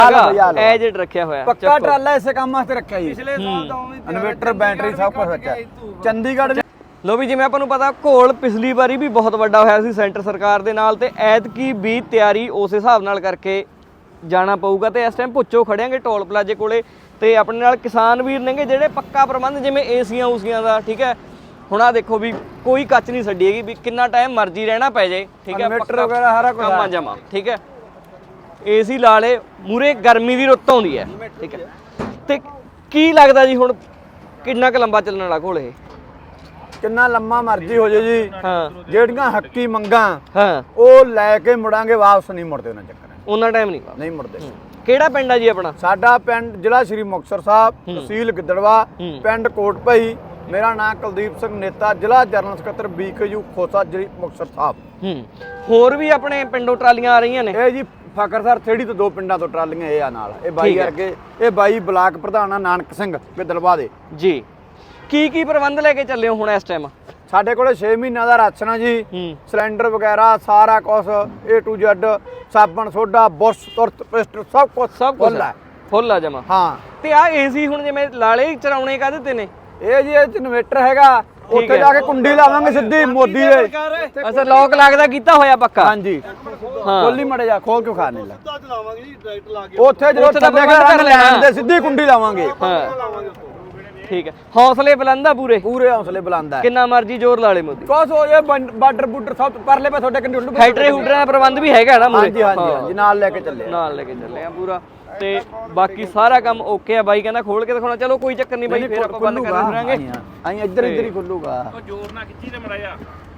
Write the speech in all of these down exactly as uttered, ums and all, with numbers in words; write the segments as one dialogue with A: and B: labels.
A: ਐਜਡ ਰੱਖਿਆ ਹੋਇਆ
B: ਪੱਕਾ ਟਰਾਲਾ ਇਸੇ ਕੰਮ ਵਾਸਤੇ ਰੱਖਿਆ ਜੀ। ਪਿਛਲੇ ਸਾਲ ਦਾ ਇਨਵਰਟਰ ਬੈਟਰੀ ਸਭ ਕੁਝ ਵਿੱਚ ਹੈ। ਚੰਡੀਗੜ੍ਹ
A: ਲੋ ਵੀ ਜਿਵੇਂ ਆਪਾਂ ਨੂੰ ਪਤਾ ਘੋਲ ਪਿਛਲੀ ਵਾਰੀ ਵੀ ਬਹੁਤ ਵੱਡਾ ਹੋਇਆ ਸੀ ਸੈਂਟਰ ਸਰਕਾਰ ਦੇ ਨਾਲ, ਤੇ ਐਤਕੀ ਵੀ ਤਿਆਰੀ ਉਸ ਹਿਸਾਬ ਨਾਲ ਕਰਕੇ ਜਾਣਾ ਪਊਗਾ। ਤੇ ਇਸ ਟਾਈਮ ਭੁੱਚੋ ਖੜਿਆਂਗੇ ਟੋਲ ਪਲਾਜ਼ੇ ਕੋਲੇ, ਤੇ ਆਪਣੇ ਨਾਲ ਕਿਸਾਨ ਵੀਰ ਨੇਗੇ ਜਿਹੜੇ ਪੱਕਾ ਪ੍ਰਬੰਧ ਜਿਵੇਂ ਏਸੀਆਂ ਊਸੀਆਂ ਦਾ, ਠੀਕ ਹੈ। ਹੁਣ ਆ ਦੇਖੋ ਵੀ ਕੋਈ ਕੱਚ ਨਹੀਂ ਛੱਡੀ ਹੈਗੀ ਵੀ ਕਿੰਨਾ ਟਾਈਮ ਮਰਜ਼ੀ ਰਹਿਣਾ ਪੈ ਜਾਏ, ਠੀਕ ਹੈ।
B: ਇਨਵਰਟਰ ਵਗੈਰਾ ਸਾਰਾ ਕੁਝ
A: ਕੰਮ ਜਮਾ, ਠੀਕ ਹੈ। ਏਸੀ ਲਾ ਲੇ, ਮੂਰੇ ਗਰਮੀ ਦੀ ਰੁੱਤ ਆਉਂਦੀ ਹੈ, ਠੀਕ ਹੈ। ਤੇ ਕੀ ਲੱਗਦਾ ਜੀ ਹੁਣ ਕਿੰਨਾ ਕੁ ਲੰਬਾ ਚੱਲਣ ਵਾਲਾ ਘੋਲ ਇਹ?
B: ਕਿੰਨਾ ਲੰਮਾ ਮਰਜ਼ੀ ਹੋ ਜੇ ਜੀ,
A: ਹਾਂ।
B: ਜਿਹੜੀਆਂ ਹੱਕੀ ਮੰਗਾਂ
A: ਹਾਂ
B: ਉਹ ਲੈ ਕੇ ਮੁੜਾਂਗੇ, ਵਾਪਸ ਨਹੀਂ ਮੁੜਦੇ ਉਹਨਾਂ ਚੱਕਰ
A: ਉਹਨਾਂ ਟਾਈਮ ਨਹੀਂ
B: ਨਹੀਂ ਮੁੜਦੇ।
A: ਕਿਹੜਾ ਪਿੰਡ ਆ ਜੀ ਆਪਣਾ?
B: ਸਾਡਾ ਪਿੰਡ ਜ਼ਿਲ੍ਹਾ ਸ਼੍ਰੀ ਮੁਕਤਸਰ ਸਾਹਿਬ, ਤਹਿਸੀਲ ਗਿੱਦੜਵਾ, ਪਿੰਡ ਕੋਟਭਈ। ਮੇਰਾ ਨਾਮ ਕੁਲਦੀਪ ਸਿੰਘ ਨੇਤਾ, ਜ਼ਿਲ੍ਹਾ ਜਨਰਲ ਸਕੱਤਰ ਬੀਕੇਯੂ ਖੋਸਾ, ਜ਼ਿਲ੍ਹਾ ਮੁਕਤਸਰ ਸਾਹਿਬ।
A: ਹੂੰ ਹੋਰ ਵੀ ਆਪਣੇ ਪਿੰਡੋਂ ਟਰਾਲੀਆਂ ਆ ਰਹੀਆਂ ਨੇ?
B: ਇਹ ਜੀ ਫਕਰਸਰ ਥੇੜੀ ਤੋਂ ਦੋ ਪਿੰਡਾਂ ਤੋਂ ਟਰਾਲੀਆਂ ਇਹ ਆ ਨਾਲ। ਇਹ ਬਾਈ ਵਰਗੇ, ਇਹ ਬਾਈ ਬਲਾਕ ਪ੍ਰਧਾਨ ਆ ਨਾਨਕ ਸਿੰਘ ਗਿੱਦੜਵਾ ਦੇ ਜੀ।
A: ਕੀ ਕੀ ਪ੍ਰਬੰਧ ਲੈ ਕੇ ਚੱਲੇ ਹੋ ਹੁਣ ਇਸ ਟਾਈਮ?
B: ਸਾਡੇ ਕੋਲੇ ਛੇ ਮਹੀਨਿਆਂ ਦਾ ਰਾਸ਼ਨ ਆ ਜੀ, ਸਿਲੰਡਰ ਵਗੈਰਾ ਸਾਰਾ ਕੁਝ ਏ ਟੂ ਜ਼ੈਡ, ਸਾਬਣ ਸੋਡਾ ਬੁਰਸ਼ ਤੁਰਤ ਪੇਸਟ ਸਭ ਕੁਝ
A: ਸਭ ਕੁਝ ਫੁੱਲ ਆ ਜਮਾ।
B: ਹਾਂ।
A: ਤੇ ਆ ਏਸੀ ਹੁਣ ਜਿਵੇਂ ਲਾਲੇ ਚਰਾਉਣੇ ਕਾਹਦੇ ਤੇ ਨੇ?
B: ਇਹ ਜੀ ਇਹ ਚ ਇਨਵੇਟਰ ਹੈਗਾ, ਉੱਥੇ ਜਾ ਕੇ ਕੁੰਡੀ ਲਾਵਾਂਗੇ ਸਿੱਧੀ ਮੋਦੀ ਦੇ।
A: ਅੱਛਾ ਲੋਕ ਲੱਗਦਾ ਕੀਤਾ ਹੋਇਆ ਪੱਕਾ?
B: ਹਾਂਜੀ
A: ਹਾਂ।
B: ਖੋਲੀ ਮੜੇ ਜਾ, ਖੋਲ ਕਿਉਂ ਖਾਣੇ ਲਾ
C: ਉੱਤਾ ਚਲਾਵਾਂਗੇ ਜੀ, ਡਾਇਰੈਕਟ ਲਾ ਕੇ
B: ਉੱਥੇ ਜਦੋਂ ਥੱਲੇ ਕਰ ਲੈਣ ਦੇ ਸਿੱਧੀ ਕੁੰਡੀ ਲਾਵਾਂਗੇ।
A: ਹਾਂ ਠੀਕ ਹੈ। ਹੌਸਲੇ ਬੁਲੰਦ ਆ ਪੂਰੇ?
B: ਪੂਰੇ ਹੌਸਲੇ ਬੁਲੰਦ ਹੈ।
A: ਕਿੰਨਾ ਮਰਜੀ ਜ਼ੋਰ ਲਾ ਲੇ ਮੋਦੀ।
B: ਕੁਛ ਹੋ ਜਾਏ, ਬਾਰਡਰ ਬੂਡਰ ਸਭ ਪਰਲੇ ਪਾ ਤੁਹਾਡੇ ਕੰਡੇ ਉੱਡੂ।
A: ਫੈਕਟਰੀ ਹੁਡਰਾਂ ਦਾ ਪ੍ਰਬੰਧ ਵੀ ਹੈਗਾ ਨਾ ਮੂਰੇ?
B: ਹਾਂਜੀ ਹਾਂਜੀ ਹਾਂਜੀ, ਨਾਲ ਲੈ ਕੇ ਚੱਲੇ
A: ਨਾਲ ਲੈ ਕੇ ਚੱਲੇ ਆ ਪੂਰਾ। ਤੇ ਬਾਕੀ ਸਾਰਾ ਕੰਮ ਓਕੇ ਆ। ਬਾਈ ਕਹਿੰਦਾ ਖੋਲ ਕੇ ਦਿਖਾਉਣਾ, ਚਲੋ ਕੋਈ ਚੱਕਰ ਨਹੀਂ ਬਾਈ, ਫੇਰ ਆਪਾਂ ਬੰਦ ਕਰ ਦਿਆਂਗੇ।
B: ਆਈ ਇੱਧਰ ਇੱਧਰ ਹੀ ਖੁੱਲੂਗਾ।
C: ਉਹ ਜ਼ੋਰ ਨਾਲ ਖਿੱਚੀ ਤੇ ਮੜਾ ਜਾ।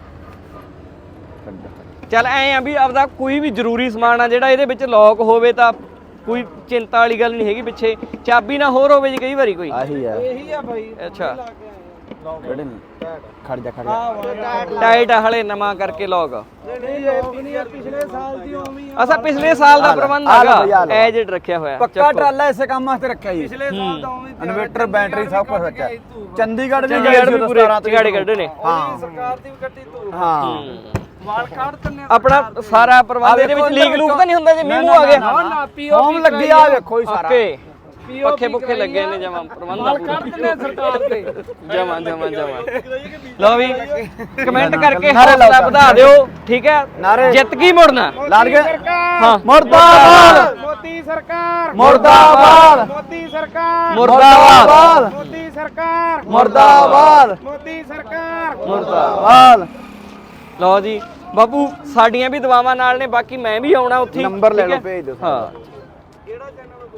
A: ਚੱਲ ਐ ਆ ਵੀ ਆਪਦਾ ਕੋਈ ਵੀ ਜ਼ਰੂਰੀ ਸਮਾਨ ਆ ਜਿਹੜਾ ਇਹਦੇ ਵਿੱਚ ਲੌਕ ਹੋਵੇ ਤਾਂ ਕੋਈ ਚਿੰਤਾ ਵਾਲੀ ਗੱਲ ਨਹੀਂ ਹੈਗੀ। ਪਿੱਛੇ ਚਾਬੀ ਨਾ ਹੋਰ ਹੋਵੇ ਜੀ ਕਈ ਵਾਰੀ ਕੋਈ?
B: ਆਹੀ ਆ,
C: ਇਹੀ ਆ ਬਾਈ।
A: ਅੱਛਾ
B: ਕਿਹੜੇ ਨੇ? ਖੜ ਜਾ ਖੜ ਜਾ।
A: ਟਾਈਟ ਆ ਹਲੇ ਨਵਾਂ ਕਰਕੇ ਲੌਕ।
C: ਪਿਛਲੇ ਸਾਲ ਦੀ ਉਵੇਂ
A: ਅਸਾ ਪਿਛਲੇ ਸਾਲ ਦਾ ਪ੍ਰਬੰਧ ਹੈਗਾ, ਐਜਡ ਰੱਖਿਆ ਹੋਇਆ।
B: ਪੱਕਾ ਟਰਾਲਾ ਇਸੇ ਕੰਮ ਵਾਸਤੇ ਰੱਖਿਆ ਜੀ।
C: ਪਿਛਲੇ ਸਾਲ ਦਾ ਉਵੇਂ
B: ਇਨਵਰਟਰ ਬੈਟਰੀ ਸਭ ਕੁਝ ਵਿੱਚ ਹੈ। ਚੰਡੀਗੜ੍ਹ ਵੀ
A: ਚੰਡੀਗੜ੍ਹ ਵੀ ਪੂਰੇ ਚਿਗਾੜੇ ਕੱਢੇ ਨੇ।
B: ਹਾਂ
C: ਸਰਕਾਰ ਦੀ ਗੱਡੀ ਤੋਂ
B: ਹਾਂ।
C: ਵਾਲ ਕੱਢ ਦਿੰਨੇ
A: ਆਪਣਾ ਸਾਰਾ ਪ੍ਰਬੰਧ ਇਹਦੇ ਵਿੱਚ ਲੀਕ ਲੂਕ ਤਾਂ ਨਹੀਂ ਹੁੰਦਾ ਜੇ ਮੀਂਹ ਆ ਗਿਆ?
C: ਨਾ ਪੀਓ
B: ਹੋਮ ਲੱਗੀ ਆ ਵੇਖੋ ਹੀ ਸਾਰਾ।
A: ਓਕੇ ਪੱਖੇ ਪੁੱਖੇ ਲੱਗੇ ਨੇ ਜਮਾ ਪ੍ਰਬੰਧ ਆ
C: ਵਾਲ ਕੱਢ ਦਿੰਨੇ ਸਰਕਾਰ ਦੇ
A: ਜਮਾ ਜਮਾ ਜਮਾ। ਲਓ ਵੀ ਕਮੈਂਟ ਕਰਕੇ ਹੌਸਲਾ ਵਧਾ ਦਿਓ, ਠੀਕ ਹੈ। ਜਿੱਤ ਕੀ ਮੁੜਨਾ
B: ਲਾਲ ਕੇ
A: ਹਾਂ।
B: ਮੁਰਦਾਬਾਦ
C: ਮੋਦੀ ਸਰਕਾਰ,
B: ਮੁਰਦਾਬਾਦ
C: ਮੋਦੀ ਸਰਕਾਰ,
A: ਮੁਰਦਾਬਾਦ
C: ਮੋਦੀ ਸਰਕਾਰ,
B: ਮੁਰਦਾਬਾਦ
C: ਮੋਦੀ ਸਰਕਾਰ,
B: ਮੁਰਦਾਬਾਦ।
A: ਲਓ ਜੀ ਬਾਪੂ, ਸਾਡੀਆਂ ਵੀ ਦੁਆਵਾਂ ਨਾਲ ਨੇ, ਬਾਕੀ ਮੈਂ ਵੀ ਆਉਣਾ ਉੱਥੇ।
B: ਨੰਬਰ ਲੈ ਲਓ, ਭੇਜ ਦਿਓ।
A: ਹਾਂ।